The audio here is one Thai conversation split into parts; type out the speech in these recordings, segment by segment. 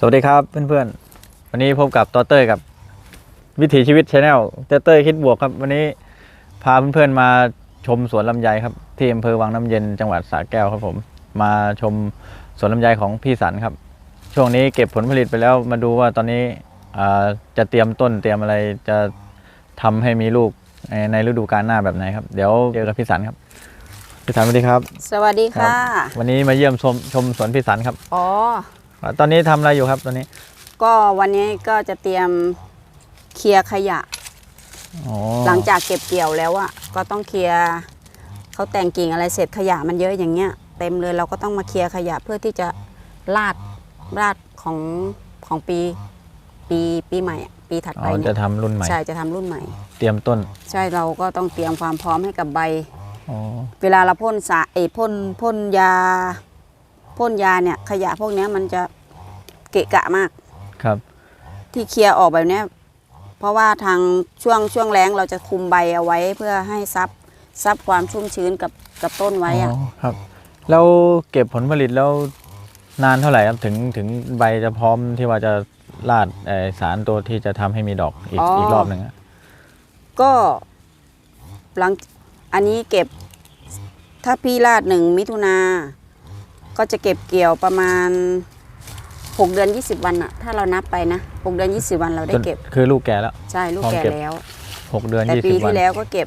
สวัสดีครับเพื่อนๆวันนี้พบกับต่อเต้ยกับวิถีชีวิตชาแนลเต้ยคิดบวกครับวันนี้พาเพื่อนๆมาชมสวนลำไยครับที่อำเภอวังน้ำเย็นจังหวัดสระแก้วครับผมมาชมสวนลำไยของพี่สันครับช่วงนี้เก็บผลผลิตไปแล้วมาดูว่าตอนนี้จะเตรียมต้นเตรียมอะไรจะทำให้มีลูกในฤดูกาลหน้าแบบไหนครับเดี๋ยวเจอกับพี่สันครับพี่สันสวัสดีครับสวัสดีค่ะวันนี้มาเยี่ยมชมสวนพี่สันครับอ๋อตอนนี้ทำอะไรอยู่ครับตอนนี้ก็วันนี้ก็จะเตรียมเคลียร์ขยะหลังจากเก็บเกี่ยวแล้วอ่ะก็ต้องเคลียร์เขาแต่งกิ่งอะไรเสร็จขยะมันเยอะอย่างเงี้ยเต็มเลยเราก็ต้องมาเคลียร์ขยะเพื่อที่จะราดของปีใหม่ปีถัดไปเนี่ยจะทำรุ่นใหม่ใช่จะทำรุ่นใหม่เตรียมต้นใช่เราก็ต้องเตรียมความพร้อมให้กับใบเวลาเราพ่นพ่นยาเนี่ยขยะพวกนี้มันจะเกะกะมากครับที่เคลียร์ออกแบบนี้เพราะว่าทางช่วงแล้งเราจะคุมใบเอาไว้เพื่อให้ซับความชุ่มชื้นกับต้นไว้อะครับแล้วเก็บผลผลิตแล้วนานเท่าไหร่ครับถึงใบจะพร้อมที่ว่าจะราดสารตัวที่จะทำให้มีดอกอีกรอบหนึ่งก็หลังอันนี้เก็บถ้าพี่ราด1 มิถุนาก็จะเก็บเกี่ยวประมาณ6 เดือน 20 วันอะถ้าเรานับไปนะ6 เดือน 20 วันเราได้เก็บคือลูกแก่แล้วใช่ลูกแก่แล้ว 6 เดือน 20 วันแต่ปีที่แล้วก็เก็บ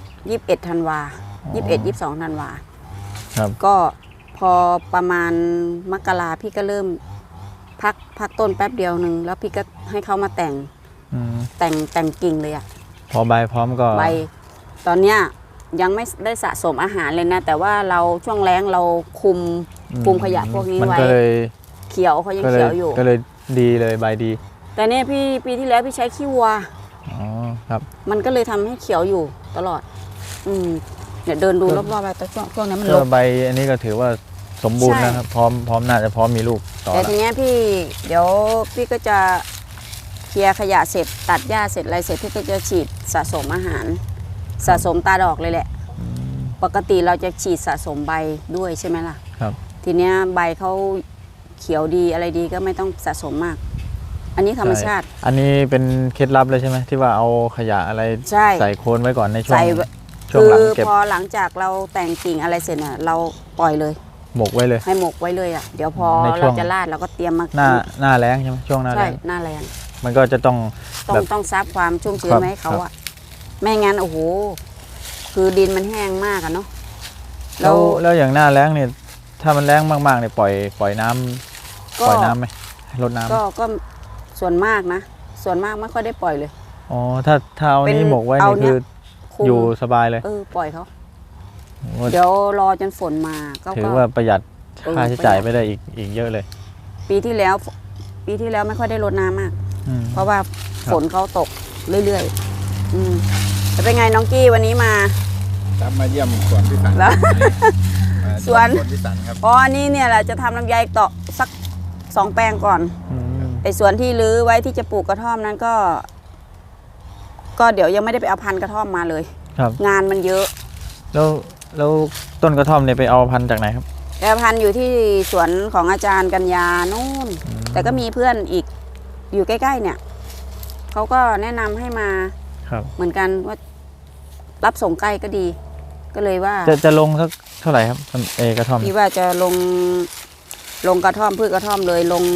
21 ธันวา22 ธันวาครับก็พอประมาณมกราพี่ก็เริ่มพักต้นแป๊บเดียวหนึ่งแล้วพี่ก็ให้เขามาแต่งกิ่งเลยอะพอใบพร้อมก็ใบตอนเนี้ยยังไม่ได้สะสมอาหารเลยนะแต่ว่าเราช่วงแล้งเราคุมขยะพวกนี้ไว้เขียวเขายังเขียวอยู่ก็เลยดีเลยใบดีแต่เนี่ยปีที่แล้วพี่ใช้ขี้วัวครับมันก็เลยทำให้เขียวอยู่ตลอดเดี๋ยวเดินดูรอบๆไปแต่ช่วงนั้นมันลบใบอันนี้ก็ถือว่าสมบูรณ์นะครับพร้อมน่าจะพร้อมมีลูกต่อแต่ทีนี้เดี๋ยวพี่ก็จะเคลียร์ขยะเสร็จตัดหญ้าเสร็จอะไรเสร็จพี่ก็จะฉีดสะสมอาหารสะสมตาดอกเลยแหละปกติเราจะฉีดสะสมใบด้วยใช่ไหมล่ะครับทีนี้ใบเขาเขียวดีอะไรดีก็ไม่ต้องสะสมมากอันนี้ธรรมชาติอันนี้เป็นเคล็ดลับเลยใช่ไหมที่ว่าเอาขยะอะไรใส่โคนไว้ก่อนในช่วงหลังเก็บพอหลังจากเราแต่งกิ่งอะไรเสร็จเนี่ยเราปล่อยเลยหมกไว้เลยให้หมกไว้เลยอ่ะเดี๋ยวพอเราจะราดเราก็เตรียมมาหน้าแล้งใช่ไหมช่วงหน้าแล้งหน้าแล้งมันก็จะต้องซับความชุ่มชื้นให้เขาอ่ะไม่งั้นโอ้โหคือดินมันแห้งมากอะเนาะแล้วอย่างหน้าแล้งเนี่ยถ้ามันแล้งมากๆเนี่ยปล่อยน้ำไหมลดน้ำก็ส่วนมากนะส่วนมากไม่ค่อยได้ปล่อยเลยอ๋อถ้าเอานี้หมกไว้นี่คืออยู่สบายเลยปล่อยเขาเดี๋ยวรอจนฝนมาก็ถือว่าประหยัดค่าใช้จ่ายไปได้อีกเยอะเลยปีที่แล้วไม่ค่อยได้รดน้ำมากเพราะว่าฝนเขาตกเรื่อยๆจะเป็นไงน้องกี้วันนี้มาเยี่ยมสวนพี่สันแล้วสวนพี่สันครับอ๋อนี่เนี่ยแหละจะทำลำไยต่อสัก2 แปลงก่อนไอ้สวนที่รื้อไว้ที่จะปลูกกระท่อมนั้นก็เดี๋ยวยังไม่ได้ไปเอาพันธุ์กระท่อมมาเลยงานมันเยอะแล้วต้นกระท่อมเนี่ยไปเอาพันธุ์จากไหนครับเอาพันธุ์อยู่ที่สวนของอาจารย์กัญญานู่นแต่ก็มีเพื่อนอีกอยู่ใกล้ๆเนี่ยเขาก็แนะนำให้มาเหมือนกันว่ารับส่งใกล้ก็ดีก็เลยว่าจะลงสักเท่าไหร่ครับกระท่อมพี่ว่าจะลงกระท่อมพืชกระท่อมเลยลง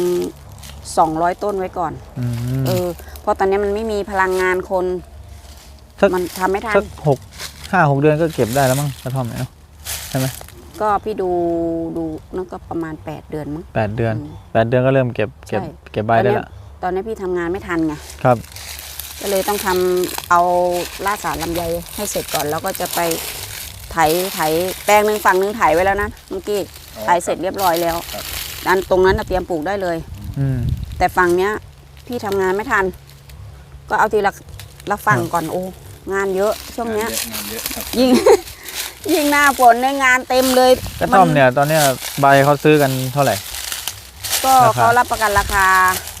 200 ต้นไว้ก่อนเพราะตอนนี้มันไม่มีพลังงานคนมันทำไม่ทันสัก5-6 เดือนก็เก็บได้แล้วมั้งกระท่อมเนาะใช่ไหมก็พี่ดูนั่นก็ประมาณ8 เดือนมั้ง 8 เดือนก็เริ่มเก็บใบได้แล้วตอนนี้พี่ทำงานไม่ทันไงครับก็เลยต้องทำเอาล่าสารลำไยให้เสร็จก่อนแล้วก็จะไปไถแปลงหนึ่งฝั่งหนึ่งไถไว้แล้วนะเมื่อกี้ไถเสร็จเรียบร้อยแล้วตรงนั้นเตรียมปลูกได้เลยแต่ฝั่งเนี้ยพี่ทำงานไม่ทันก็เอาทีละฝั่งก่อนโอ้งานเยอะช่วงเนี้ยยิ่งหน้าฝนในงานเต็มเลยกระท่อมเนี่ยตอนเนี้ยใบเขาซื้อกันเท่าไหร่ก็เขารับประกันราคา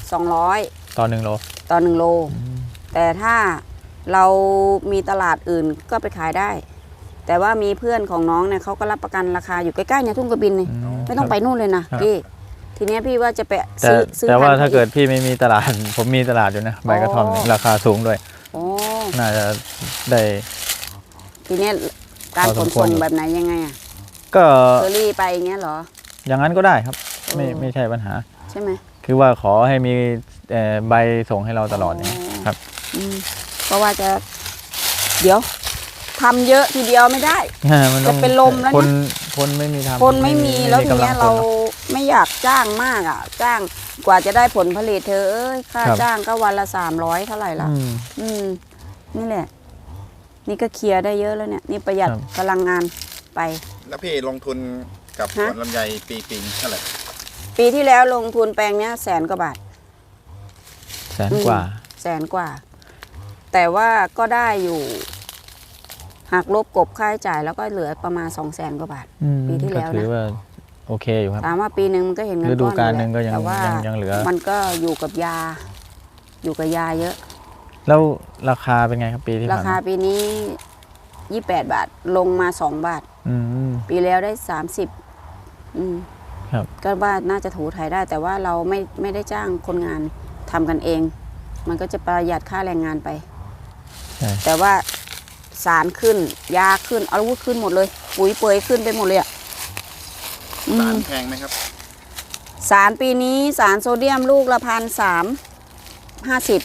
200 ต่อ1 โลแต่ถ้าเรามีตลาดอื่นก็ไปขายได้แต่ว่ามีเพื่อนของน้องเนี่ยเขาก็รับประกันราคาอยู่ใกล้ๆเนี่ยทุ่งกระบินนี่ไม่ต้องไปนู่นเลยนะพี่ทีเนี้ยพี่ว่าจะไปแต่ซื้อแต่ว่าพันธุ์ถ้าเกิดพี่ไม่มีตลาด ผมมีตลาดอยู่นะใบกระท่อมเนี่ยราคาสูงด้วยโอ้น่าจะได้ทีเนี้ยการพอขสนมควส่รง อยู่แบบไหนยังไงอะก็เชอรี่ไปอย่างเงี้ยเหรออย่างนั้นก็ได้ครับ ไม่เออไม่ใช่ปัญหาใช่ไหมคือว่าขอให้มีใบส่งให้เราตลอดอย่างนี้ครับเพราะว่าจะ เดี๋ยวทำเยอะทีเดียวไม่ได้มันต้องจะเป็นลมแล้วนะคนไม่มีทำคนไม่มีแล้วทีกำลัเนี้งยคนเราเนอะไม่อยากจ้างมากอ่ะ จ้างกว่าจะได้ผลผลิตเธอเอ้ยค่าครับจ้างก็วันละ300เท่าไหร่ละอืมอืมนี่แหละ นี่ก็เคลียร์ได้เยอะแล้วเนี่ย นี่ประหยัดครับพลังงานไปแล้วพี่ลงทุนกับสฮะวนลำไยปีเท่าไหร่ปีที่แล้วลงทุนแปลงเนี้ย100,000 กว่าบาทแสนกว่า 100,000 กว่า แต่ว่าก็ได้อยู่หักลบกบค่าใช้จ่ายแล้วก็เหลือประมาณ200,000 กว่าบาทอืมปีที่แล้วนะก็ถือว่าโอเคอยู่ครับถามว่าปีหนึ่งมันก็เห็นเงินฤดูก้อนกาลอยู่หนึ่งก็ยังแต่ว่ายังเหลือมันก็อยู่กับยา อยู่กับยาเยอะแล้วราคาเป็นไงครับปีที่ราผ่านคามาปีนี้28 บาทลงมา2 บาทอืมปีแล้วได้30 ครับก็ว่าน่าจะถูถ่ายได้ แต่ว่าเราไม่ได้จ้างคนงานทำกันเอง มันก็จะประหยัดค่าแรงงานไปใช่แต่ว่าสารขึ้น ยาขึ้นอาวุธขึ้นหมดเลย ปุ๋ยเปยขึ้นไปหมดเลยอ่ะสารแพงไหมครับสารปีนี้สารโซเดียมลูกละ1,350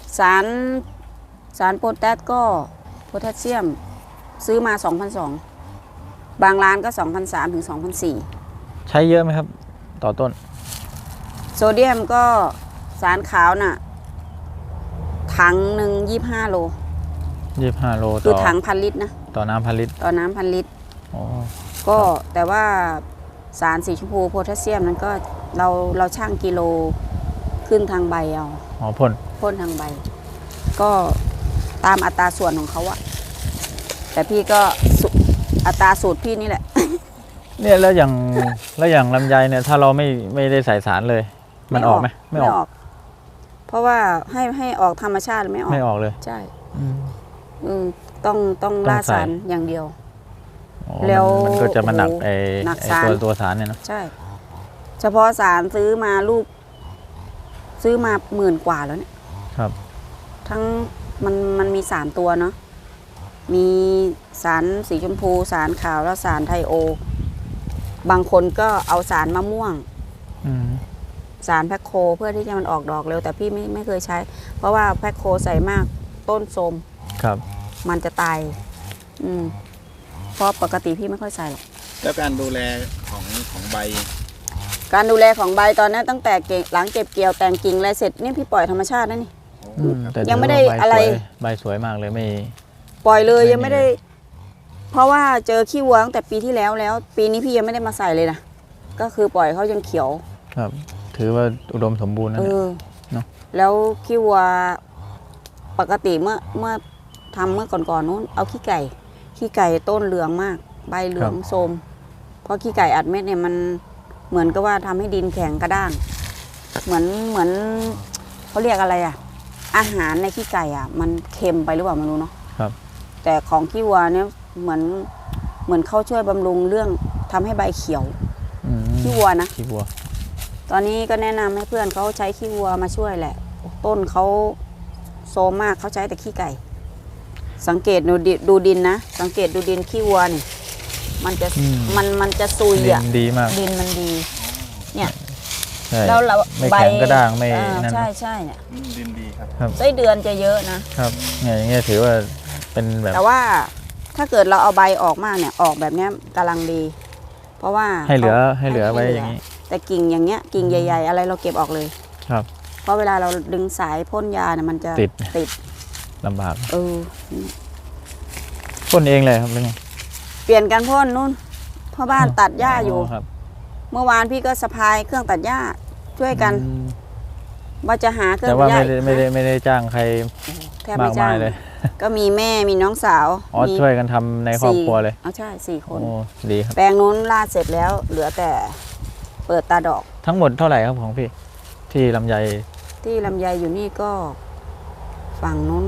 สารโพแทสก็โพแทสเซียมซื้อมา2,200บางร้านก็2,300 ถึง 2,400 ใช้เยอะไหมครับ ต่อต้นโซเดียมก็สารขาวน่ะ ถังหนึ่ง25 โล 25 โลคือต่อถัง1,000 ลิตรนะต่อน้ำพันลิตรต่อน้ำ1,000 ลิตรอ๋อก็แต่ว่าสารสีชมพูโพแทสเซียมนั้นก็เราช่างกิโลขึ้นทางใบเอาอ๋อพ่นพ่นทางใบ ก็ตามอัตราส่วนของเขาอะแต่พี่ก็อัตราสูตรพี่นี่แหละเนี่ยแล้วอย่างลำไยเนี่ยถ้าเราไม่ได้ใส่สารเลย มันออกไหมไม่ออกเพราะว่าให้ออกธรรมชาติไม่ออกไม่ออกเลยใช่อืมต้องต้องล่าใส่สารอย่างเดียวอ๋อแล้วมันก็จะมาหนักโอ้โหไอ้หนักไอ้สารตัวสารเนี่ยเนาะใช่ เฉพาะสารซื้อมาลูก ซื้อมา10,000 กว่าแล้วเนี่ยครับทั้งมันมี3 ตัวเนาะ มีสารสีชมพู สารขาวแล้วสารไทโอ บางคนก็เอาสารมะม่วงอืมสารแพคโคเพื่อที่จะมันออกดอกเร็ว แต่พี่ไม่เคยใช้ เพราะว่าแพคโคใส่มากต้นโทรมครับมันจะตาย เพราะปกติพี่ไม่ค่อยใส่หรอกแล้วการดูแลของใบการดูแลของใบตอนนี้ตั้งแต่หลังเก็บเกี่ยวแต่งกิ่งอะไรเสร็จเนี่ยพี่ปล่อยธรรมชาตินะนี่แต่ยังไม่ได้ถืว่าอะไรใบสวยมากเลยไม่ปล่อยเลยไม่ยังไม่ได้ เพราะว่าเจอขี้วัวตั้งแต่ปีที่แล้ว ปีนี้พี่ยังไม่ได้มาใส่เลยนะก็คือปล่อยเขายังเขียวครับ ถือว่าอุดมสมบูรณ์นะเอเนี่ยอเนอะแล้วขี้วัวปกติเมื่อทำเมื่อก่อนๆนู้นเอาขี้ไก่ต้นเหลืองมาก ใบเหลืองโทรมเพราะขี้ไก่อัดเม็ดเนี่ยมันเหมือนกับว่าทำให้ดินแข็งกระด้างเหมือนเขาเรียกอะไรอ่ะ อาหารในขี้ไก่อ่ะ มันเค็มไปหรือเปล่าไม่รู้เนาะครับแต่ของขี้วัวเนี่ยเหมือนเขาช่วยบำรุงเรื่องทำให้ใบเขียวอืมขี้วัวนะขี้วัวตอนนี้ก็แนะนำให้เพื่อนเขาใช้ขี้วัวมาช่วยแหละ ต้นเขาโซมมากเขาใช้แต่ขี้ไก่ สังเกตดูดินนะ สังเกตดูดินขี้วัวนี่ มันจะอืมมันจะซุยดินอ่ะดีมากดินมันดี เนี่ยใช่แล้วเราไม่แข็งกระด้างไม่ นั่นใช่นะใช่เนี่ยดินดีครับไส้เดือนจะเยอะนะครับเนี่ยอย่างเงี้ยถือว่าเป็นแบบแต่ว่าถ้าเกิดเราเอาใบออกมากเนี่ยออกแบบเนี้ยกำลังดี เพราะว่าให้เหลือขาให้เหลือไว้อย่างนี้แต่กิ่งอย่างเงี้ยกิ่งใหญ่ ๆ อะไรเราเก็บออกเลยครับเพราะเวลาเราดึงสายพ่นยาเนี่ยมันจะติด ลำบากเออพ่นเองเลยครับหรือไงเปลี่ยนกันพ่นนู่นพ่อบ้านตัดหญ้าอยู่ครับเมื่อวานพี่ก็สะพายเครื่องตัดหญ้าช่วยกันอืมว่าจะหาเครื่องแต่ตัว่าดหญ้าไม่ได้จ้างใครแทบไม่มากจ้ามาง ยเลยก็มีแม่มีน้องสาวอ๋อมีช่วยกันทำในครอบครัวเลยเอาใช่4 คนโอ้ดีครับแปลงนู้นลาดเสร็จแล้ว เหลือแต่เปิดตาดอกทั้งหมดเท่าไหร่ครับของพี่ ที่ลำไยที่ลำไยอยู่นี่ก็ฝั่งนู้น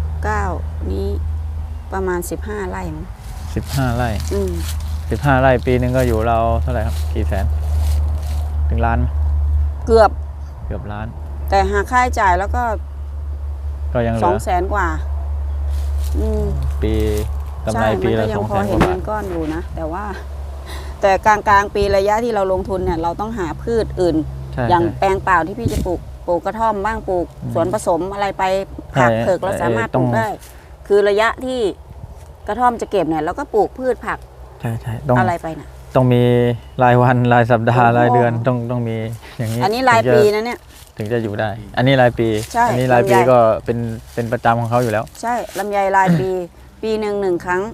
9นี้ประมาณ15 ไร่มั้ง 15 ไร่อืม 15 ไร่ปีหนึ่งก็อยู่เราเท่าไหร่ครับ กี่แสน ถึงล้านไหมเกือบล้านแต่หากค่าใช้จ่ายแล้วก็ก็ยังเหลือ 200,000 กว่าปีกำไรใช่ปีมันละก็ยั 200,000 พอก เห็นว่าเงิบาทนก้อนอยู่นะ แต่ว่า แต่กลางปีระยะที่เราลงทุนเนี่ย เราต้องหาพืชอื่นใช่อย่างใช่แปลงเปล่าที่พี่จะปลูกกระท่อมบ้างปลูกอืมสวนผสมอะไรไปผักใช่เผือกเราสามารถปต้ลูองกได้ คือระยะที่กระท่อมจะเก็บเนี่ยเราก็ปลูกพืชผักใช่ใช่ต้องอะไรไปน่ะต้องมีรายวันรายสัปดาห์โอ้โหรายเดือนต้องมีอย่างนี้อันนี้รายถึงจะปีนะเนี่ยถึงจะอยู่ได้ อันนี้รายปีใช่อันี้รายปีลำไยก็เป็นประจำของเขาอยู่แล้วใช่ลำไยรายปี ปีหนึ่งครั้ง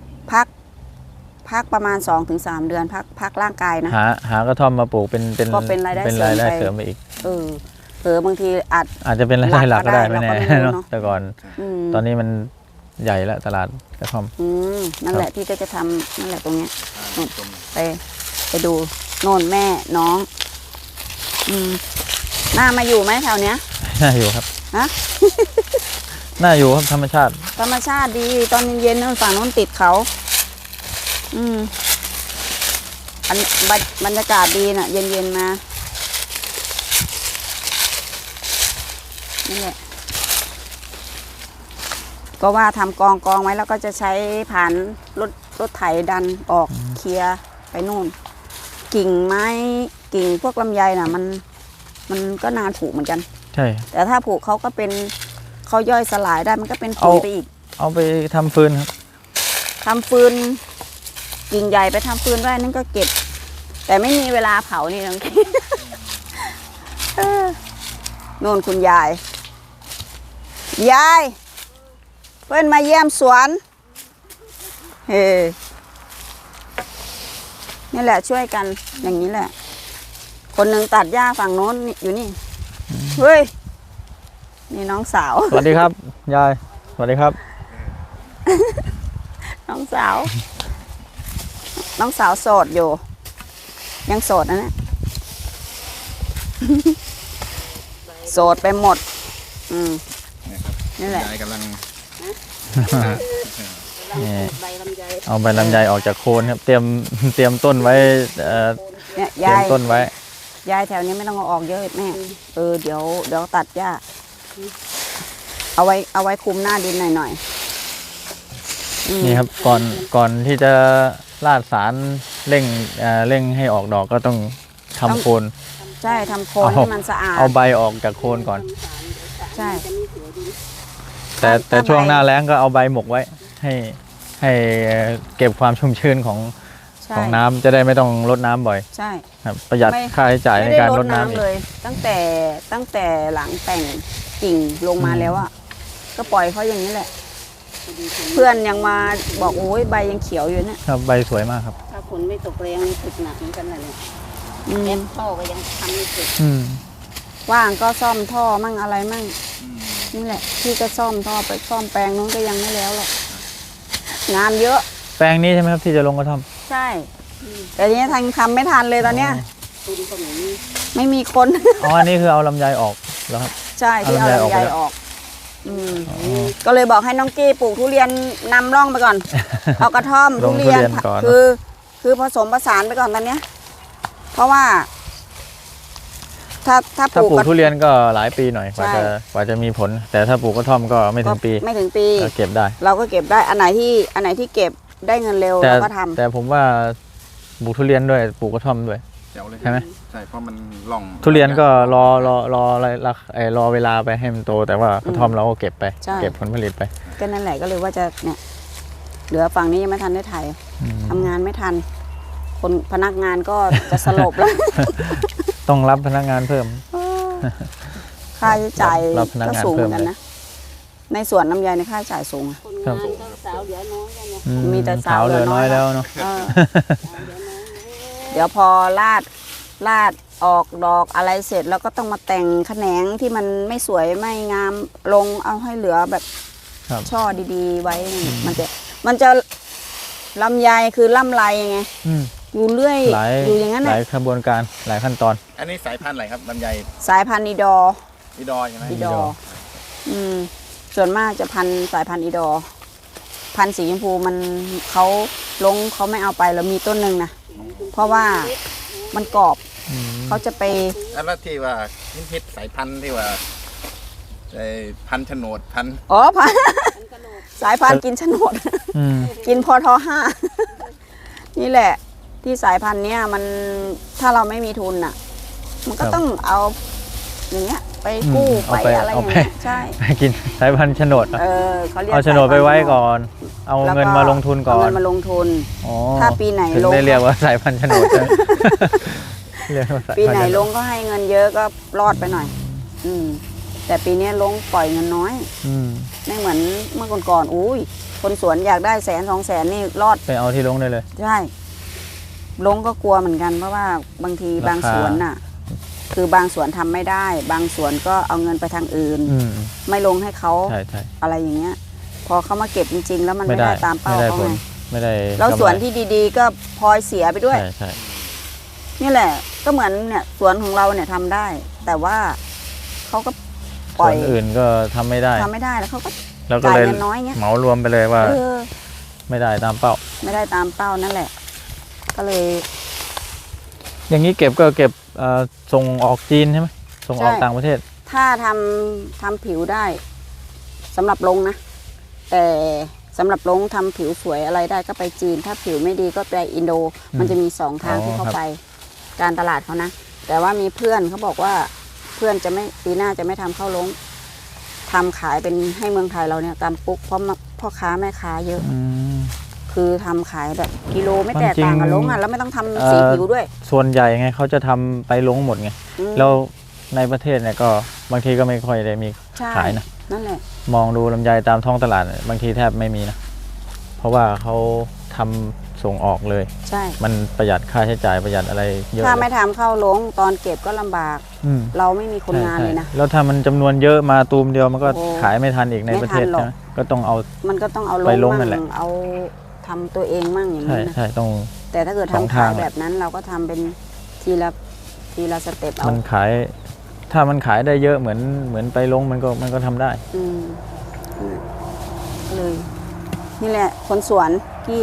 พักประมาณ 2-3 เดือนพักร่างกายนะหากระท่อมมาปลูกเป็นก็เป็นรายได้เป็นรายได้เสริมไปเสริมไปอีกเผลอบางทีอาจจะเป็นรายได้หลักก็ได้หลักก็ไม่ได้แน่เราก็ไม่รู้เนาะเนอะแต่ก่อนมตอนนี้มันใหญ่แล้วตลาดกระท่อมนั่นแหละพี่ก็จะทำนั่นแหละตรงเนี้ยต้นไปดูโน่นแม่น้องน่ามาอยู่ไหมแถวเนี้ยน่าอยู่ครับฮะน่าอยู่ครับธรรมชาติธรรมชาติดีตอนเย็นๆนู่นฝั่งโน้นติดเขาอันบรรยากาศดีน่ะ เย็นๆมานี่แหละก็ว่าทำกองไว้แล้วก็จะใช้ผ่านรถไถดันออกเคลียร์ไปนู่น กิ่งไม้กิ่งพวกลำไยน่ะ มันก็นานผุเหมือนกันใช่แต่ถ้าผุเขาก็เป็นเขาย่อยสลายได้มันก็เป็นปุ๋ยไปอีกเอาไปทำฟืนครับทำฟืนกิ่งใหญ่ไปทำฟืนได้นั่นก็เก็บ แต่ไม่มีเวลาเผานี่ทั้งที โน่นคุณยาย ยาย เพื่อนมาเยี่ยมสวนเฮ้นี่แหละช่วยกันอย่างนี้แหละ คนหนึ่งตัดหญ้าฝั่งโน้นนี่อยู่นี่เฮ้ยนี่น้องสาวสวัสดีครับ ยายสวัสดีครับน้องสาว น้องสาวโสดอยู่ ยังโสดนะเนี่ย โสดไปหมด นี่แหละยายกำลังนี่ใบลำไยเอาใบลำไยออกจากโคนครับเตรียมต้นไว้เนี่ยเตรียยาม ยต้นไว้ยายแถวนี้ไม่ต้องเอาออกเยอะแม่เดี๋ยวตัดหญ้าเอาไว้คุมหน้าดินหน่อยนี่ครับก่อนที่จะลาดสารเร่งให้ออกดอกก็ต้องทำโคนใช่ทำโคนให้มันสะอาดเอาใบออกจากโคนก่อนใช่แต่ช่วงหน้าแล้งก็เอาใบหมกไว้ให้เก็บความชุ่มชื้นของใช่น้ำจะได้ไม่ต้องรดน้ำบ่อยใช่ครับประหยัดค่าใช้จ่ายในไม่ได้การรรดดน้ำอีกน้ำเลย ตั้งแต่หลังแต่งกิ่งลงมาแล้วอ่ะก็ปล่อยเขาอย่างนี้แหละ เพื่อนยังมาบอกโอ้ยใบยังเขียวอยู่เนี่ยครับใบสวยมากครับถ้าฝนไม่ตกแรงนี่ติดหนักเหมือนกันนะเนี่ยอืมแอปท่อก็ยังทำไม่เสร็จว่างก็ซ่อมท่อมั่งอะไรมั่งนี่แหละพี่ก็ซ่อมท่อไปซ่อมแปลงนู้นก็ยังไม่แล้วหรอกงานเยอะแปลงนี้ใช่ไหมครับที่จะลงกระท่อมใช่แต่ทีนี้ทำไม่ทันเลยตอนเนี้ยตุนก็ไม่มีไม่มีคนอ๋ออันนี้คือเอาลำไยออกแล้วครับใช่ที่เอาเอาลำไยออกลำไยไปแล้วออกก็เลยบอกให้น้องกี้ปลูกทุเรียนนำร่องไปก่อน เอากระท่อมลทุงทุเรียนเรียนก่อนคือผสมผสานไปก่อนตอนเนี้ย เพราะว่า ถ้าปถ้าลูกปลูกกระทุเรียนก็หลายปีหน่อยกว่าใช่จะมีผล แต่ถ้าปลูกกระท่อมก็ไม่ถึงปีไม่ถึงปีก็เก็บได้เราก็เก็บได้อันไหนที่เก็บได้เงินเร็วแต่เราก็ทำแต่ผมว่าปลูกทุเรียนด้วยปลูกกระท่อมด้วยแจ๋วเลยใช่ไหมใช่เพราะมันล่องทุเรียนก็รอเวลาไปให้มันโต แต่ว่ากระท่อมเราก็เก็บไปใช่เก็บผลผลิตไปก็นั่นแหละก็เลยว่าจะเนี่ย เหลือฝั่งนี้ยังไม่ทันได้ถ่ายอืมทำงานไม่ทัน คนพนักงานก็จะสลบแล้วต้องรับพนักงานเพิ่มค่าใช้จ่ายรับพนักก็งานสูงเหมือนกันเพิ่มเลยนะ ในสวนลำไยในค่าใช้จ่ายสูงอะคนครังาบนก็สาวเหลือน้อยกันเนี่ยอืมีแต่สาวเหลือน้อยเหลือน้อยแล้วเนาะเออสาวเหลือน้อยเดี๋ยวพอลาดออกดอกอะไรเสร็จแล้วก็ต้องมาแต่งแขนงที่มันไม่สวยไม่งามลงเอาให้เหลือแบบครับช่อดีๆ ไว้มันจะลำไยคือล่ำไรไงอืมอยู่เรื่อยหลายอยู่อย่างนั้นหน่ะลายขบวนการหลายขั้นตอนอันนี้สายพันธุ์อะไรครับลำไยสายพันธุ์อีดออีดอใช่ไหมอีดอส่วนมากจะสายพันธุ์อีดอ พันธุ์สีชมพูมันเขาไม่เอาไปแล้วมีต้นหนึ่งนะเพราะว่ามันกรอบอืมเขาจะไปแล้วที่ว่าฮิตสายพันธุ์ที่ว่าไอ้พันธุ์โฉนดพันธุ์อ๋อพันธุ์สายพันธุ์กินโฉนดอืมกินพอทห้า นี่แหละ ที่สายพันธุ์เนี้ยมันถ้าเราไม่มีทุนอ่ะ มันก็ต้องเอาอย่างเงี้ยไปกู้ไปอะไรอย่างเงี้ยใช่ไปกินสายพันธุ์โฉนดอะเขาเรียกเอาโฉนดไปไว้ก่อน เอาเงินมาลงทุนก่อเอานเงินมาลงทุนอ๋อถ้าปีไหนถึงลงได้เรียกว่าสายพันธุ์โฉนดใช่ไหม เรียกว่าสายปีพันไหนธุ์โฉนลดงก็ให้เงินเยอะก็รอดไปหน่อย อืมแต่ปีนี้ลงปล่อยเงินน้อยอืมไม่เหมือนเมื่อก่อนๆอุ้ยคนสวนอยากได้100,000-200,000นี่รอดไปเอาที่ลงได้เลยใช่ลงก็กลัวเหมือนกันเพราะว่าบางทีราคาบางสวนน่ะ คือบางสวนทำไม่ได้ บางสวนก็เอาเงินไปทางอื่นอืมไม่ลงให้เขาใช่ใช่อะไรอย่างเงี้ย พอเขามาเก็บจริง ๆ แล้วมันไม่ไม่ได้ได้ตามเป้าไม่ได้เขาผลไงไม่ได้แล้วกำไรสวนที่ดีๆ ก็พลอยเสียไปด้วยใช่ใช่นี่แหละ ก็เหมือนเนี่ยสวนของเราเนี่ยทำได้ แต่ว่าเขาก็ปส่ล่วอยนอื่นก็ทำไม่ได้ทำไม่ได้แล้วเขาก็แล้วก็จ่ายเลยเงินน้อยเงี้ยเหมารวมไปเลยว่าเออไม่ได้ตามเป้าไม่ได้ตามเป้านั่นแหละ ก็เลยอย่างนี้เก็บก็เก็บส่งออกจีนใช่ไหมส่งออกใช่ต่างประเทศถ้าทำผิวได้สำหรับลงนะ แต่สำหรับลงทำผิวสวยอะไรได้ก็ไปจีน ถ้าผิวไม่ดีก็ไปอินโด มันจะมี2 ทางที่เขาไป การตลาดเขานะ แต่ว่ามีเพื่อนเขาบอกว่าเพื่อนจะไม่ปีหน้าจะไม่ทำเข้าลงทำขายเป็นให้เมืองไทยเราเนี่ยตามปุ๊กเพราะพ่อค้าแม่ค้าเยอะอืมคือทำขายแบบกิโลไม่แตกจริงต่างกับลงอ่ะแล้วไม่ต้องทำสีผิวด้วยส่วนใหญ่ไงเขาจะทำไปลงหมดไงอืมแล้วในประเทศเนี่ยก็บางทีก็ไม่ค่อยได้มีใช่ขายนะนั่นแหละมองดูลำไยตามท้องตลาดเนี่ยบางทีแทบไม่มีนะ เพราะว่าเขาทำส่งออกเลยใช่มันประหยัดค่าใช้จ่ายประหยัดอะไรเยอะถ้าเลไม่ยทำเข้าลงตอนเก็บก็ลำบากอืมเราไม่มีคนงานใช่เลยนะแล้วถ้ามันจำนวนเยอะมาตูมเดียวมันก็โอ้ขายไม่ทันอีกในไม่ประเทศทันหรอกใช่ไหมก็ต้องเอามันก็ต้องเอาไปลลงงนั่มั่นแหละงเอาทำตัวเองมั่งอย่างใช่นี้นะใช่ต้องแต่ถ้าเกิดสองทำขายทางแบบนั้นเราก็ทำเป็นทีละสเต็ปเอามันขาย ถ้ามันขายได้เยอะเหมือนไปลงมันก็ทำได้อืมเลย นี่แหละ คนสวนกี้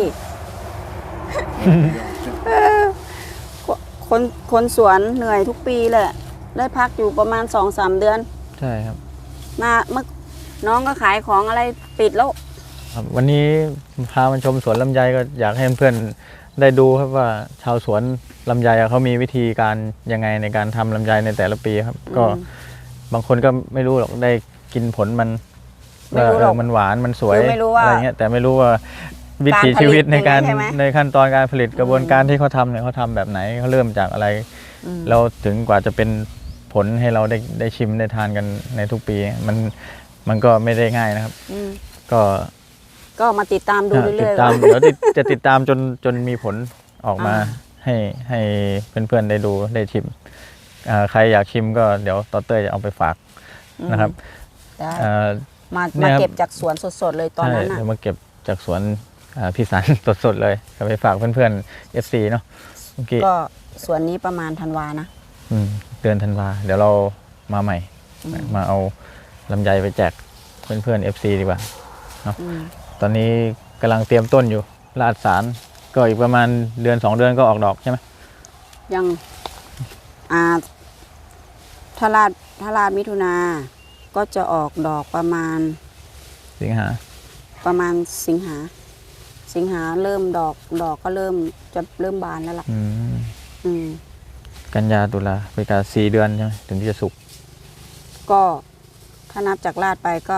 คนสวนเหนื่อยทุกปีแหละ ได้พักอยู่ประมาณ2-3 เดือนใช่ครับมาเมื่อน้องก็ขายของอะไรปิดแล้วครับวันนี้พามาชมสวนลำไยก็อยากให้เพื่อนๆได้ดูครับว่าชาวสวนลำไยอะเขามีวิธีการยังไงในการทำลำไยในแต่ละปีครับ ก็บางคนก็ไม่รู้หรอกได้กินผลมันไม่รู้หรอกมันหวานมันสวยคือไม่รู้ว่าอะไรเงี้ยแต่ไม่รู้ว่าวิถีชีวิตในการการผลิตยังไงใช่ไหมในขั้นตอนการผลิตกระบวนการที่เขาทำเนี่ยเขาทำแบบไหนเขาเริ่มจากอะไรอืมแล้วถึงกว่าจะเป็นผลให้เราได้ชิมได้ทานกันในทุกปี มันก็ไม่ได้ง่ายนะครับอืมก็ก็มาติดตามดูเรื่ติดอยตามๆเดี๋ยวจะติดตามจนมีผลออกมาอ่าให้เพื่อนๆได้ดูได้ชิมใครอยากชิมก็เดี๋ยวตอเต้ยจะเอาไปฝากนะครับได้เอ่อมาเนี่ยครับเก็บจากสวนสดๆเลยตอนใช่นั้นน่ะเดี๋ยวมาเก็บจากสวนพี่สัน สดๆเลยก็ไปฝากเพื่อนๆ FC เนาะเมื่อกี้ก็สวนนี้ประมาณธันวานะเดือนธันวาเดี๋ยวเรามาใหม่อืมมาเอาลำไยไปแจกเพื่อนๆ FC ดีกว่าอืมตอนนี้กำลังเตรียมต้นอยู่ราดสารก็อีกประมาณเดือน2 เดือนก็ออกดอกใช่ไหมยังถ้าลาดมิถุนาก็จะออกดอกประมาณสิงหาสิงหาเริ่มดอกก็เริ่มบานแล้วล่ะ อืมกันยาตุลาพฤศจิกา4 เดือนใช่ไหมถึงที่จะสุกก็ถ้านับจากลาดไปก็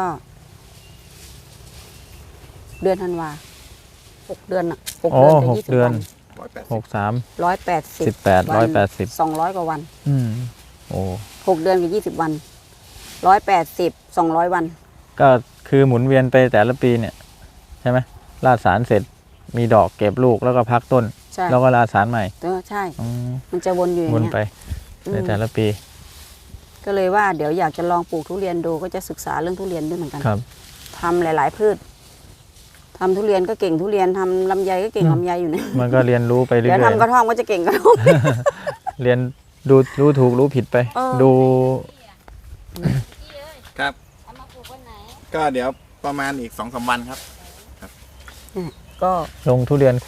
เดือนธันวา6 เดือนอ่ะ6 โอ้เดือนจะ 6 20 เดือนวัน 63 180 18 180 200 กว่าวันโอ้ 6 เดือนกับ20 วัน180 200 วันก็คือหมุนเวียนไปแต่ละปีเนี่ยใช่ไหมราดสารเสร็จมีดอกเก็บลูกแล้วก็พักต้นใช่แล้วก็ราดสารใหม่ใช่อืมมันจะวนอยู่อย่าวนงเงี้ยไปอืมในแต่ละปีก็เลยว่าเดี๋ยวอยากจะลองปลูกทุเรียนดูก็จะศึกษาเรื่องทุเรียนด้วยเหมือนกันครับทำหลาย ๆ พืชทำทุเรียนก็เก่งทุเรียนทำลำไยก็เก่งอืมลำไยอยู่เนี่ยมันก็เรียนรู้ไปเรื่เดี๋ยวอยทำกระท่อมก็จะเก่งกระท่อมๆ เรียนดูรู้ถูกรู้ผิดไปเออดูครับเอามาปลูกวันไหนก็เดี๋ยวประมาณอีก2-3 วันครับก็ลงทุเรียนคู่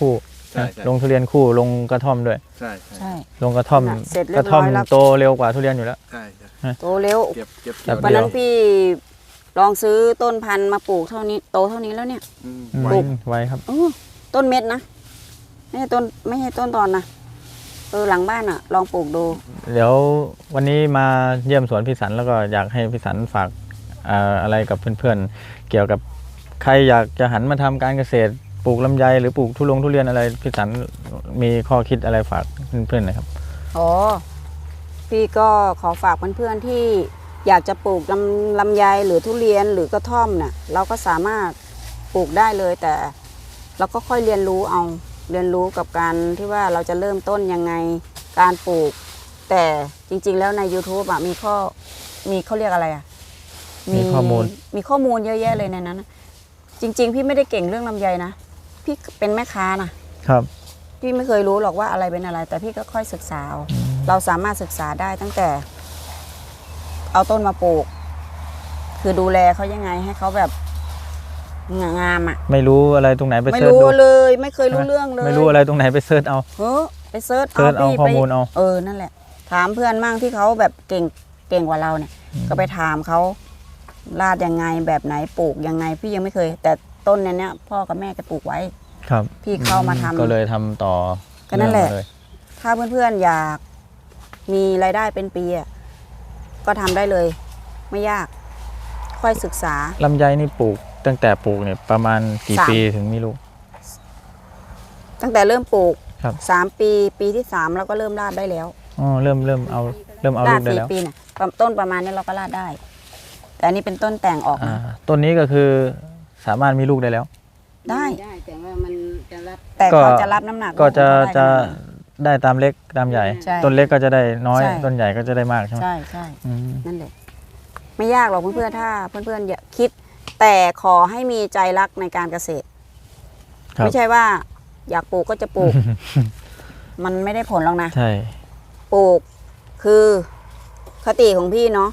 ใช่ใช่ลงทุเรียนคู่ลงกระท่อมด้วยใช่ใช่ลงกระท่อมน่ะเสร็จเรีกยระบร้ท่ออมยแล้วโตเร็วกว่าทุเรียนอยู่แล้วใช่โตเร็วเก็บครับวันนั้นพี่ลองซื้อต้นพันธุ์มาปลูกเท่านี้โตเท่านี้แล้วเนี่ยไวปลูกไวครับต้นเม็ดนะไม่ใช่ต้นตอนนะหลังบ้านลองปลูกดูเดี๋ยววันนี้มาเยี่ยมสวนพี่สันแล้วก็อยากให้พี่สันฝากอะไรกับเพื่อนๆเกี่ยวกับใครอยากจะหันมาทำการเกษตรปลูกลำไยหรือปลูกทุเรียนอะไรพี่สันมีข้อคิดอะไรฝากเพื่อนๆหน่อยครับอ๋อ พี่ก็ขอฝากเพื่อนๆที่อยากจะปลูกลำไยหรือทุเรียนหรือกระท่อมเนี่ยเราก็สามารถปลูกได้เลยแต่เราก็ค่อยเรียนรู้กับการที่ว่าเราจะเริ่มต้นยังไงการปลูก แต่จริงๆแล้วใน YouTube มีเขาเรียกอะไรมีข้อมูลมีข้อมูลเยอะแยะเลยในนั้นจริงๆพี่ไม่ได้เก่งเรื่องลำไยนะพี่เป็นแม่ค้านะครับ พี่ไม่เคยรู้หรอกว่าอะไรเป็นอะไร แต่พี่ก็ค่อยศึกษาเอาเราสามารถศึกษาได้ตั้งแต่ เอาต้นมาปลูก คือดูแลเขายังไงให้เขาแบบงามไม่รู้อะไรตรงไหนไปไม่เสิร์ชรู้ดูเลย ไม่เคยรู้เรื่องเลยไม่รู้อะไรตรงไหนไปเสิร์ชเอาไปเซิร์ชเอาพี่ข้อมูลเอานั่นแหละ ถามเพื่อนมั่งที่เขาแบบเก่งกว่าเราเนี่ย ก็ไปถามเขาลาดยังไงแบบไหนปลูกยังไง พี่ยังไม่เคย แต่ต้นเนี้ยพ่อกับแม่แกปลูกไว้ครับพี่เข้ามาทำก็เลยทำต่อก็นั่นแหละเรื่องมาเยถ้าเพื่อนๆอยากมีรายได้เป็นปีก็ทำได้เลย ไม่ยาก ค่อยศึกษาลำไยนี่ปลูกตั้งแต่ปลูกเนี่ยประมาณกี่ 3 ปีถึงมีลูกตั้งแต่เริ่มปลูกครับปีที่ 3เราก็เริ่มลาดได้แล้วอ๋อเริ่มเอาลูลาก ดได้แล้ว 4 ปีเนี่ยต้นประมาณนี้เราก็ลาดได้ แต่อันนี้เป็นต้นแต่งออกมาต้นนี้ก็คือสามารถมีลูกได้แล้วได้แต่ว่ามันจะรับแต่ก็เขาจะรับน้ำหนักก็จะลูกเขาได้ได้ตามเล็กตามใหญ่ใช่ต้นเล็กก็จะได้น้อยใช่ต้นใหญ่ก็จะได้มากใช่ไหมใช่อืมนั่นแหละไม่ยากหรอกเพื่อนๆถ้าเพื่อนๆอย่าคิด แต่ขอให้มีใจรักในการเกษตรครับไม่ใช่ว่า อยากปลูกก็จะปลูก มันไม่ได้ผลหรอกนะใช่ปลูกคือคติของพี่เนาะ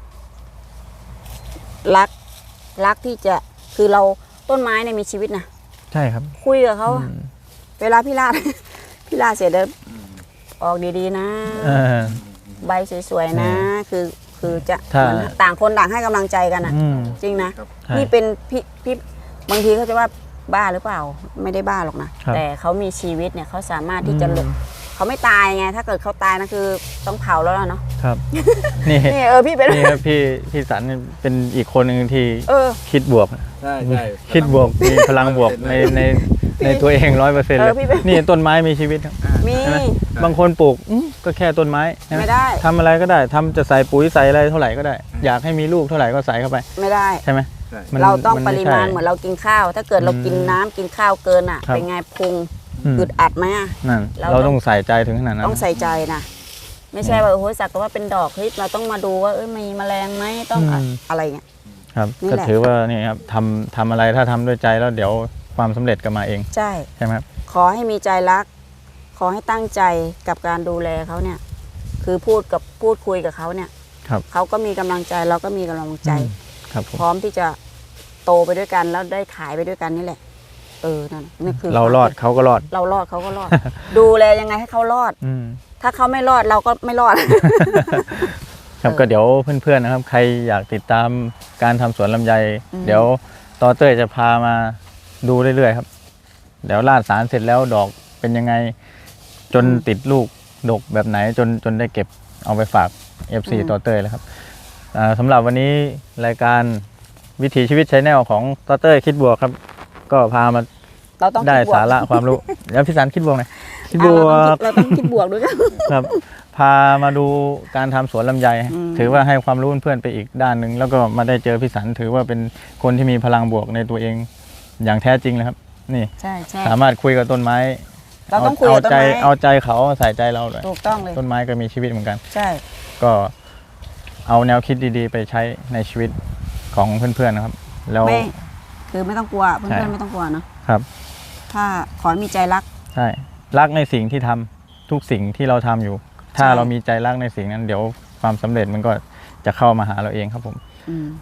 รักที่จะคือเราต้นไม้เนี่ยมีชีวิตนะใช่ครับคุยกับเขาอะอืมเวลาพี่ลาด พี่ลาดเสร็จแล้วออกดีๆนะเออใบสวยๆนะ คือจะถ้าเหมือนต่างคนต่างให้กำลังใจกันอ่ะอืมจริงนะใช่นี่เป็นพี่บางทีเขาจะว่าบ้าหรือเปล่า ไม่ได้บ้าหรอกนะครับแต่เขามีชีวิตเนี่ยเขาสามารถที่จะหลบเขาไม่ตายไง ถ้าเกิดเขาตายนะคือต้องเผาแล้วล่ะเนาะครับ นี่นี่พี่เป็นนี่ครับพี่สันนี่เป็นอีกคนหนึ่งที่เออคิดบวกใช่คิดบวกมีพลังบวกในตัวเอง100%เลยพี่เป็นนี่ต้นไม้มีชีวิตครับมีใช่ไหมบางคนปลูกก็แค่ต้นไม้ใช่หไม่ได้ทำอะไรก็ได้ทำจะใส่ปุ๋ยใส่อะไรเท่าไหร่ก็ได้ อยากให้มีลูกเท่าไหร่ก็ใส่เข้าไปไม่ได้ใช่ไหมใช่นเราต้องปนไริมาณใช่เหมือนเรากินข้าว ถ้าเกิดเรากินน้ำกินข้าวเกินอ่ะครับเป็นไงพุงอืมอึดอัดไหมอะนั่นเราเราต้องใส่ใจถึงขนาดนั้นต้องใส่ใจนะไม่ใช่ว่าโอ้ยสักแต่ว่าเป็นดอกเฮ้ยเราต้องมาดูว่ามีแมลงไหมต้องอะไรเงี้ยครับนี่ก็แหละถือว่านี่ครับทำอะไรถ้าทำด้วยใจแล้วเดี๋ยวความสำเร็จก็มาเองใช่ใช่ไหมครับขอให้มีใจรัก ขอให้ตั้งใจกับการดูแลเขาเนี่ย คือพูดคุยกับเขาเนี่ยครับเขาก็มีกำลังใจเราก็มีกำลังใจครับผมพร้อมที่จะโตไปด้วยกันแล้วได้ขายไปด้วยกันนี่แหละนั่นนี่คือเรารอดเขาก็รอดเรารอดเขาก็รอด ดูแลยังไงให้เขารอดอืมถ้าเขาไม่รอดเราก็ไม่รอดครับก็เดี๋ยวเพื่อนๆนะครับ ใครอยากติดตามการทำสวนลำไยอืมเดี๋ยวต่อเต้ยจะพามาดูเรื่อยๆครับ เดี๋ยวราดสารเสร็จแล้วดอกเป็นยังไง จนติดลูกดกแบบไหนจนได้เก็บเอาไปฝาก FC ต่อเต้ยแล้วครับสำหรับวันนี้รายการวิถีชีวิตชาแนลของต่อเต้ยคิดบวกครับ ก็พามาเราต้องได้คิบวกสาระความรู้ แล้วพี่สันคิดบวกหน่อยคิดบอ่ะวกเราต้องคิดบวกด้วยกันครับ พามาดูการทำสวนลำไยอืมถือว่าให้ความรู้เพื่อนๆไปอีกด้านหนึ่งแล้วก็มาได้เจอพี่สันถือว่าเป็นคนที่มีพลังบวกในตัวเองอย่างแท้จริงเลยครับ นี่ใช่สามารถคุยกับต้นไม้เราต้องคุยกับต้นไม้เอาใจเขาใส่ใจเราเลยถูกต้องเลยต้นไม้ก็มีชีวิตเหมือนกันใช่ก็เอาแนวคิดดีๆ ไปใช้ในชีวิตของเพื่อนๆนะครับ แล้วไม่คือไม่ต้องกลัวเพื่ใช่อนๆไม่ต้องกลัวเนาะครับถ้าขอให้มีใจรักใช่รักในสิ่งที่ทำทุกสิ่งที่เราทำอยู่ ถ้าใช่เรามีใจรักในสิ่งนั้น เดี๋ยวความสำเร็จมันก็จะเข้ามาหาเราเองครับผมอืม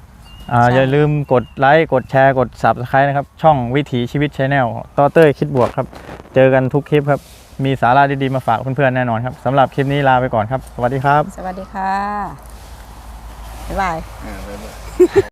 อย่าลืมกดไลค์กดแชร์กด Subscribe นะครับช่องวิถีชีวิต Channel ต่อเต้ยคิดบวกครับเจอกันทุกคลิปครับมีสาระดีๆมาฝากเพื่อนๆแน่นอนครับสำหรับคลิปนี้ลาไปก่อนครับสวัสดีครับสวัสดีค่ะ บ๊ายบายบ๊ายบาย